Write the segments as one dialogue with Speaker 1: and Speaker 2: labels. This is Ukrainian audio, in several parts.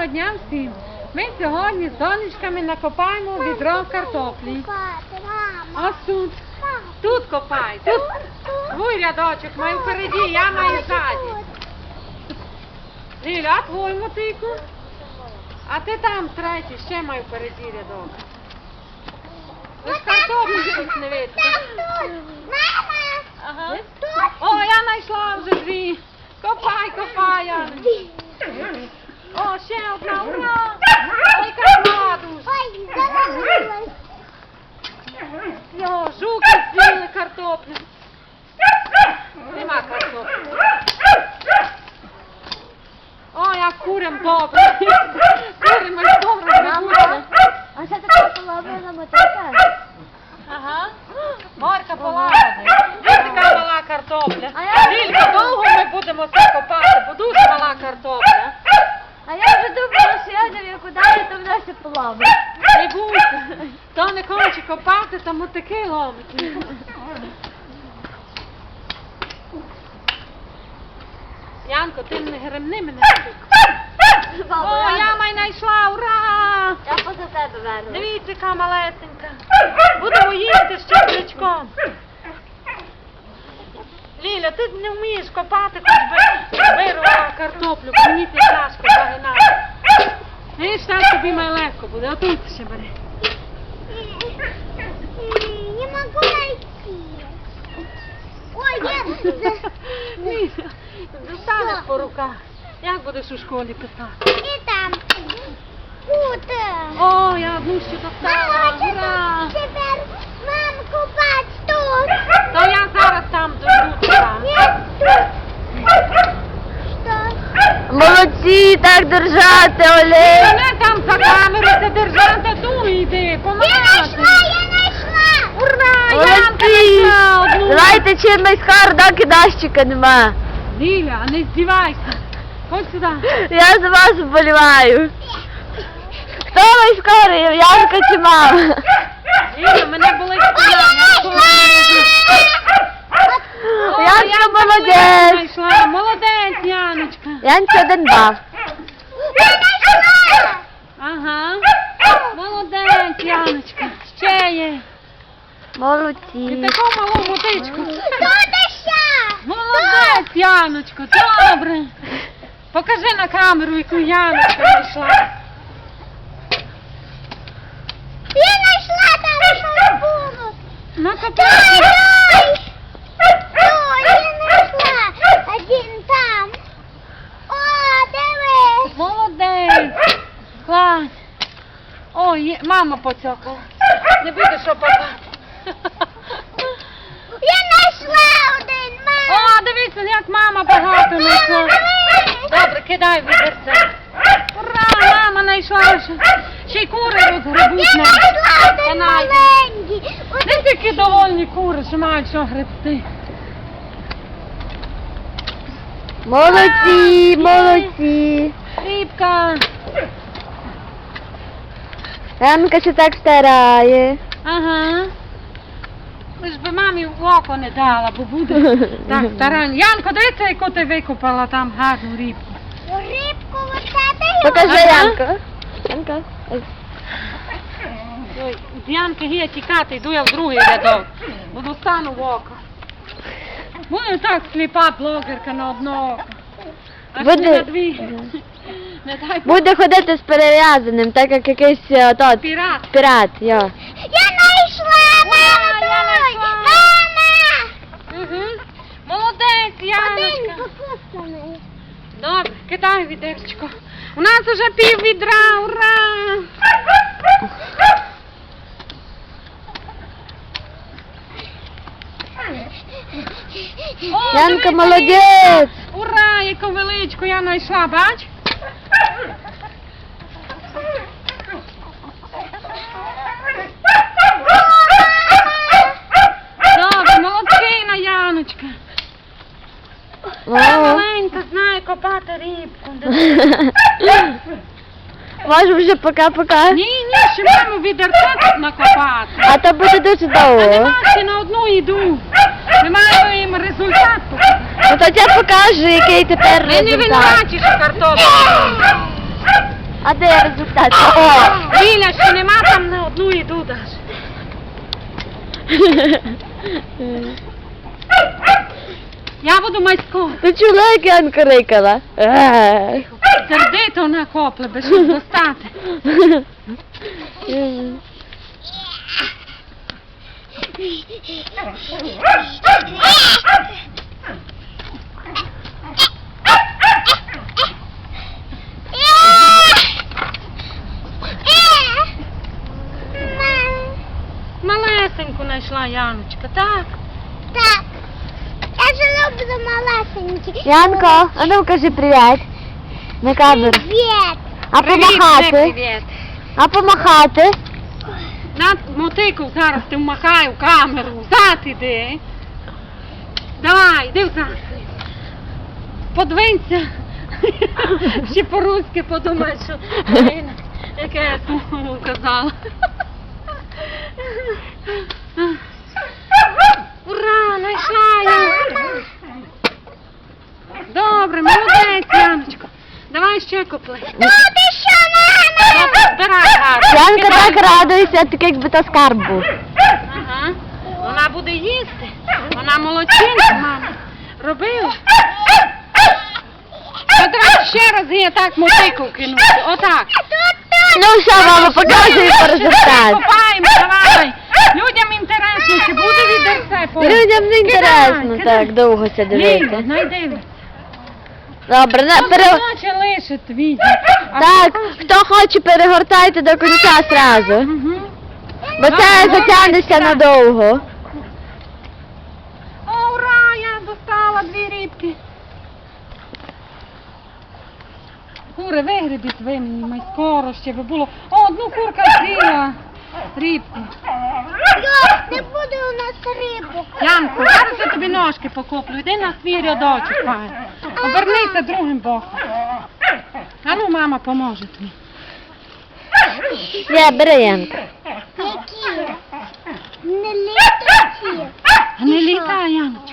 Speaker 1: дня всім! Ми сьогодні з донечками накопаємо відро картоплі. Ось тут. Тут копай. Тут твій рядочок маю впереді, я маю ззаді. Ліля, а твій мотику? А ти там третій, ще маю впереді рядок. Ви ж картоплі тут не видно.
Speaker 2: Мама!
Speaker 1: Ага. О, я знайшла вже дві. Копай, копай, Яночка. О, ще одна, ура! Ой, красна дуже.
Speaker 2: Ой, заложилась.
Speaker 1: Йо, жуки з'їли картоплю. Нема картоплі. О, як курям добре. Курям аж добре грибуться.
Speaker 2: А це така половина мотика?
Speaker 1: Ага. Морка полагодить. Ось така мала картопля.
Speaker 2: А я-
Speaker 1: Лілька, довго ми будемо це копати, бо дуже мала картопля.
Speaker 2: А я вже думала, що я не викидаю, то вона ще половить.
Speaker 1: Не бойся. Хто не хоче копати, то мотики ломить. Янко, ти не гремни мене. О, я май знайшла, ура!
Speaker 2: Я поза тебе верну.
Speaker 1: Дивіться, яка малесенька. Будемо їсти з чесничком. Ліля, ти не вмієш копати, хоч би вирвала картоплю, бо мені це тяжко загинати. Видиш, так тобі має легко буде, отут ще бери.
Speaker 2: Не могу найти. Ой, нет.
Speaker 1: Ліля, достанеш по руках. Як будеш у школі писати?
Speaker 2: И там. Куда?
Speaker 1: О, я одну ще достала, ура!
Speaker 2: Теперь мамку бать тут.
Speaker 1: То я зараз там дойду туди.
Speaker 2: Нет, тут. Что?
Speaker 3: Молодці, так держати, Олег.
Speaker 1: Мене там за камеру це держати, ту йди,
Speaker 2: Я
Speaker 1: помагати.
Speaker 2: нашла.
Speaker 1: Ура, Янка
Speaker 3: Молодці.
Speaker 1: знайшла одну.
Speaker 3: Давайте чимось хар, доки дощика нема.
Speaker 1: Ліля, не здівайся. Ходь сюди.
Speaker 3: Я за вас вболіваю. Хто найскорий, Янка чи мама?
Speaker 1: Ліля, мене болить спина.
Speaker 3: Янка молодець.
Speaker 1: Знайшла. Молодець, Яночка.
Speaker 3: Янці 1 бал.
Speaker 1: Ага. Молодець, Яночка. Ще є. І
Speaker 3: Молодці.
Speaker 1: таку малу мотичку.
Speaker 2: Тут еще.
Speaker 1: Молодець, Яночко, добре. Покажи на камеру, яку Яночка знайшла.
Speaker 2: Я нашла там шампунь.
Speaker 1: Накопай.
Speaker 2: Ой, я нашла один там. О, дивись.
Speaker 1: Молодець. Клас. Ой, мама поцьокала. Не буде що папа.
Speaker 2: Я нашла один, мам.
Speaker 1: О, дивіться, як мама багато знайшла. Добре, кидай відерце. Ура, мама знайшла. Ще й кури розгребуть
Speaker 2: Я
Speaker 1: нам.
Speaker 2: нашла один
Speaker 1: Канай.
Speaker 2: маленький.
Speaker 1: Не тільки довольні кури, що мають що гребти.
Speaker 3: Молодці, молодці.
Speaker 1: Рібка.
Speaker 3: Янка ще так старає.
Speaker 1: Ага. Ви ж би мамі в око не дала, бо буде так старань. Янко, дивіться, яку ти викопала там гарну рібку.
Speaker 2: Рибку вот это.
Speaker 3: Покажи,
Speaker 1: Ага.
Speaker 3: Янка. Янка. Ой.
Speaker 1: Ой, з Янки гія тікати, йду я в другий рядок, бо достану в око. Буде так сліпа блогерка на одно око. Аж
Speaker 3: Буде-
Speaker 1: не на дві. Не дай Бог.
Speaker 3: Буде ходити з перев'язаним, так як якийсь тот,
Speaker 1: Пірат.
Speaker 3: пірат, йо.
Speaker 2: Я нашла, мама,
Speaker 1: я
Speaker 2: той.
Speaker 1: нашла.
Speaker 2: Мама.
Speaker 1: Угу. Молодець,
Speaker 2: Один
Speaker 1: Яночка.
Speaker 2: покусаний.
Speaker 1: Добре, кидай відерчко. У нас уже пів відра, ура! О,
Speaker 3: Янка
Speaker 1: дивися,
Speaker 3: молодець.
Speaker 1: ура, яку величку я знайшла, бач? Добре, молодчина, Яночка. Я
Speaker 3: О.
Speaker 1: маленька, знаю копати рибку.
Speaker 3: Може вже пока-пока.
Speaker 1: Ні, ще маємо відерце тут накопати.
Speaker 3: А то буде дуже
Speaker 1: А
Speaker 3: довго.
Speaker 1: нема ще на одну йду. Ми маємо їм результат показати.
Speaker 3: Ну то я покажу, який тепер
Speaker 1: Ми не
Speaker 3: результат.
Speaker 1: винуваті, що картоплю.
Speaker 3: А де результат? О!
Speaker 1: Ліля, ще нема там на одну іду даш. Я буду майсько.
Speaker 3: Ти чула, як Янка рикала?
Speaker 1: Сердито накопле, без щоб достати. Малесеньку знайшла Яночка, так?
Speaker 2: Так. Я же люблю малесенькі.
Speaker 3: Янко, а ну кажи привіт. На камеру.
Speaker 2: Привіт.
Speaker 3: А помахати?
Speaker 1: Привіт.
Speaker 3: А помахати?
Speaker 1: На мотику зараз ти вмахай в камеру. Взад іди. Давай, іди взад. Подвинься. Ще по-руськи подумай, що блін, яке я слово казала. Ура, знайшла я. Добре, молодець, Яночко. Давай ще купли.
Speaker 2: Ну ти що, мама?
Speaker 1: Збирай гарно.
Speaker 3: Янка так радується, так якби то скарб був.
Speaker 1: Ага. Вона буде їсти. Вона молодчинка, мама. Робила. От давай ще раз її так мотику кинути. Отак.
Speaker 3: Ну все, мама, показуй по результат.
Speaker 1: Копаємо, давай. Людям інтересно, чи буде відерце по...
Speaker 3: Людям не інтересно
Speaker 1: Кидай,
Speaker 3: так довго це
Speaker 1: Ліля,
Speaker 3: дивитися.
Speaker 1: знайди.
Speaker 3: Добре,
Speaker 1: Хоче лишити відео.
Speaker 3: так, хто хоче, перегортайте до кінця зразу.
Speaker 1: Угу.
Speaker 3: Бо це затягнеться надовго.
Speaker 1: О, ура, я достала 2 рибки. Кури, вигребіть ви мені, май скоро ще би було. О, одну курка з'їла рибку.
Speaker 2: Йо, не буде у нас рибу.
Speaker 1: Янко, зараз я тобі ножки покоплю. Йди на свій рядочок, пай. Обернися другим боком. А ну, мама поможе тобі.
Speaker 3: Є, бери, Янка.
Speaker 2: Які? Не літаці.
Speaker 1: А не літай, Яночка.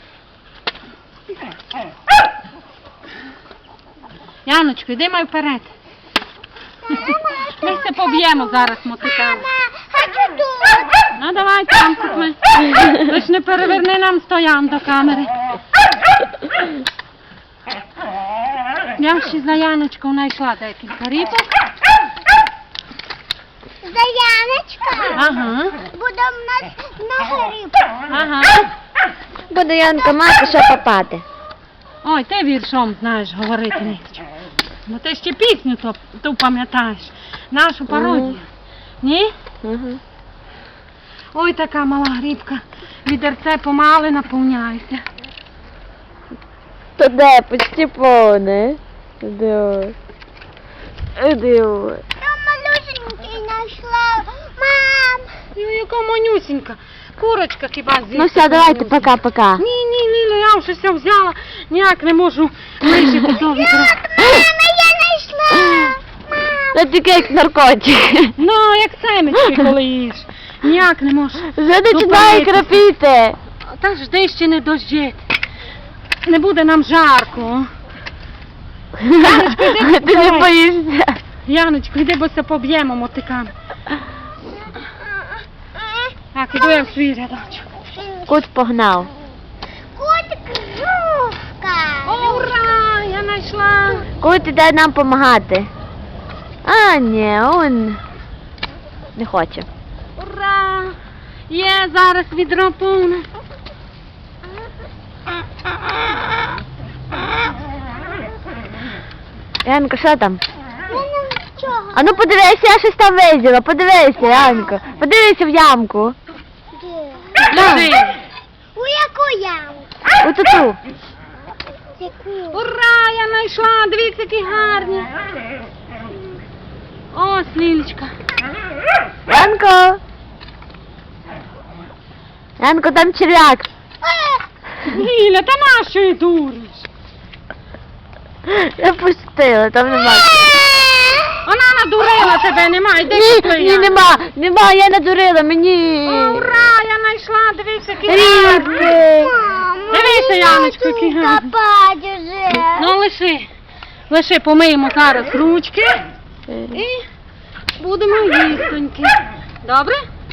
Speaker 1: Яночко, йди май вперед. Ми все поб'ємо зараз мотиками.
Speaker 2: Мама, хочу тут.
Speaker 1: Ну давай там купи. Лиш не переверни нам стоян до камери. Я ще за Яночкою знайшла декілька рибок.
Speaker 2: Заяночка.
Speaker 1: Ага,
Speaker 2: Буде в нас много риб.
Speaker 1: ага.
Speaker 3: Буде Янка мати, що попати.
Speaker 1: Ой, ти віршом знаєш говорити ніч. Ну ти ще пісню ту пам'ятаєш. Нашу пародію. Ні?
Speaker 3: Угу.
Speaker 1: Ой, така мала грибка. Відерце помали наповняється.
Speaker 3: То де, почти повне. Іди ось. Іди ось.
Speaker 2: Я малюсенький знайшла. Мам.
Speaker 1: Ну, яка манюсінька. Курочка хіба з'їсти.
Speaker 3: Ну все, давайте,
Speaker 1: манюсінька.
Speaker 3: пока-пока.
Speaker 1: Ні, Ліля, я вже все взяла. Ніяк не можу лишити до відра.
Speaker 2: Мама, я знайшла.
Speaker 3: Це тільки як наркотик.
Speaker 1: Ну, як семечки, коли їш. Ніяк не можу.
Speaker 3: Вже починає крапіти.
Speaker 1: Та жди ще не дождіть. Не буде нам жарко.
Speaker 3: Ти не боїшся.
Speaker 1: Яночко, йди, бо се поб'ємо мотиками. Так, іду я в свій рядочок.
Speaker 3: Кут погнав.
Speaker 2: Котик жовка.
Speaker 1: О, ура! Я знайшла.
Speaker 3: Кут іде нам допомагати. А, ні, он не хоче.
Speaker 1: Ура! Є, зараз відро повне.
Speaker 3: Янко, що там?
Speaker 2: Я нічого.
Speaker 3: А ну подивися, я щось там виділа. Подивися, Янко. Подивися в ямку.
Speaker 1: Лежи.
Speaker 2: У яку яму?
Speaker 3: Отуту.
Speaker 2: Яку?
Speaker 1: Ура! Я знайшла. Дивіться, які гарні. Ось, Лілечка.
Speaker 3: Янко. Янко, там черв'як.
Speaker 1: Ліля, та нащо її дуриш?
Speaker 3: Я пустила, там нема.
Speaker 1: Вона надурила тебе, немає. Де
Speaker 3: Ні,
Speaker 1: купи,
Speaker 3: ні,
Speaker 1: Яна?
Speaker 3: нема, я надурила, мені.
Speaker 1: О, ура! Я знайшла. Дивіться, які гарні.
Speaker 3: Рібки.
Speaker 1: Дивися, Яночко, які гарні.
Speaker 2: Копать уже.
Speaker 1: Ну, лиши. Помиємо зараз ручки. І будемо їстоньки. Добре?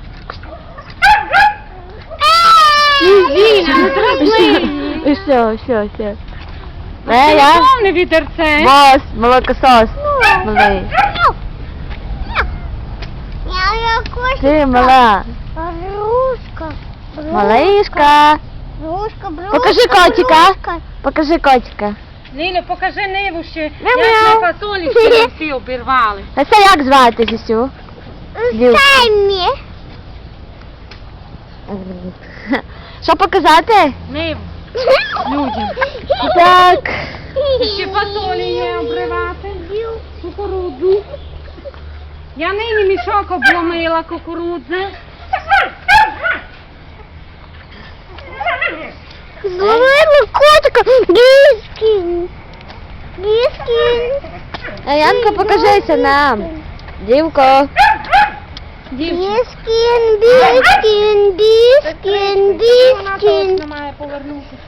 Speaker 1: Зіля, не дразни.
Speaker 3: Все.
Speaker 1: Це
Speaker 3: Я?
Speaker 1: повне відерце.
Speaker 3: Бос, молокосос. Малий. Ти мала. Малишка. Покажи котика. Покажи котика.
Speaker 1: Лілю, покажи ниву ще,
Speaker 3: Мяу-мяу.
Speaker 1: як ми фасолі ще всі обірвали.
Speaker 3: А це як звати Сісю?
Speaker 2: Саймі.
Speaker 3: Що показати?
Speaker 1: Ниву людям.
Speaker 3: Так.
Speaker 1: Ще фасолі є обривати. Кукурудзу. Я нині мішок обломила кукурудзи.
Speaker 2: Зловила котика. Гіскін.
Speaker 3: А Янко, покажися нам. Дівко.
Speaker 2: Біскін.
Speaker 1: Вона точно має повернутися.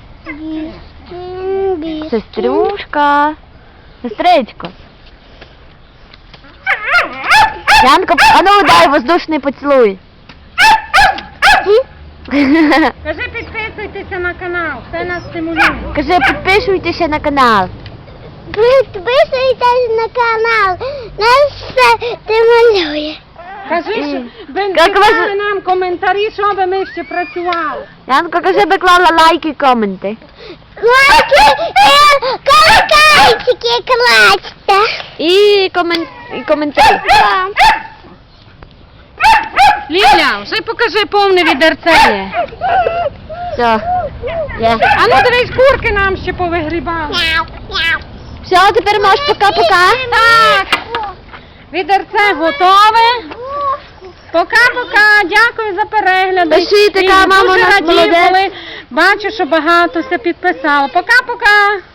Speaker 3: Сестрюшка. Сестричко. Янко, а ну дай воздушний поцілуй.
Speaker 1: Кажи, підписуйтеся на канал, це нас стимулює.
Speaker 3: Кажи, підписуйтеся на канал.
Speaker 2: Підписуйтесь на канал. Нас все стимулює.
Speaker 1: Кажи, що ви
Speaker 3: Як вас-
Speaker 1: писали нам коментарі, що би ми ще працювали.
Speaker 3: Янко, кажи, би клала лайки і коменти.
Speaker 2: Лайки і колокольчики клацьте.
Speaker 3: І коментарі.
Speaker 1: Ліля, вже покажи повне відерце є.
Speaker 3: Все. Є.
Speaker 1: А ну дивись, курки нам ще повигрібали.
Speaker 3: Все, тепер можеш пока-пока.
Speaker 1: Так, відерце готове. Пока-пока, дякую за перегляд.
Speaker 3: Пишіть, яка
Speaker 1: І
Speaker 3: мама у
Speaker 1: дуже
Speaker 3: нас
Speaker 1: радію,
Speaker 3: молодець.
Speaker 1: коли бачу, що багато все підписало. Пока-пока.